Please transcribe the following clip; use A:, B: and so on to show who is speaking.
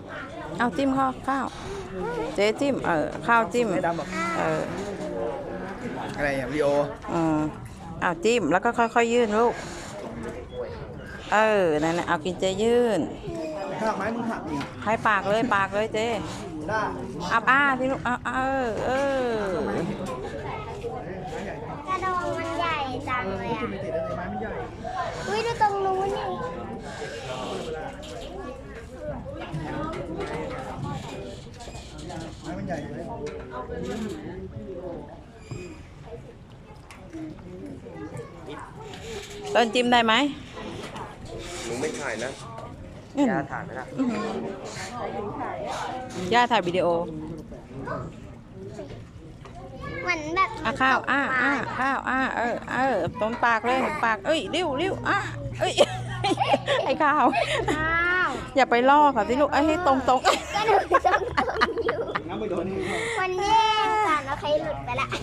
A: เอาจิ้มข้าวเจ๊จิ้มข้าวจิ้ม
B: อะไรอ่ะวิโอ
A: เอาจิ้มแล้วก็ค่อยๆยื่นลูกนั่นนะเอากินเจยื่น
B: หักไหมมึงหักอีก
A: ให้ปากเลยเจ๊อ้าที่ลูก
C: กระดองมันใหญ่จังเลยอ่ะอุ้ยดูตรงนู้นนี่
B: ไม้มันใหญ่เลย
A: ต้นจิ้มได้ไหม
B: หนูไม่ถ่ายนะย่าถ่ายไหมล่ะ
A: ย่าถ่ายวิดีโอ
C: เหมือนแบบ
A: ข้าวข้าวตรงปากเลยปากริ้วไอ้ข้าวอย่าไปล่อค่ะสิลูกให้ตรง
C: ก็หนูต้องอยู่มันแย่กันแล้วใครหลุดไปละ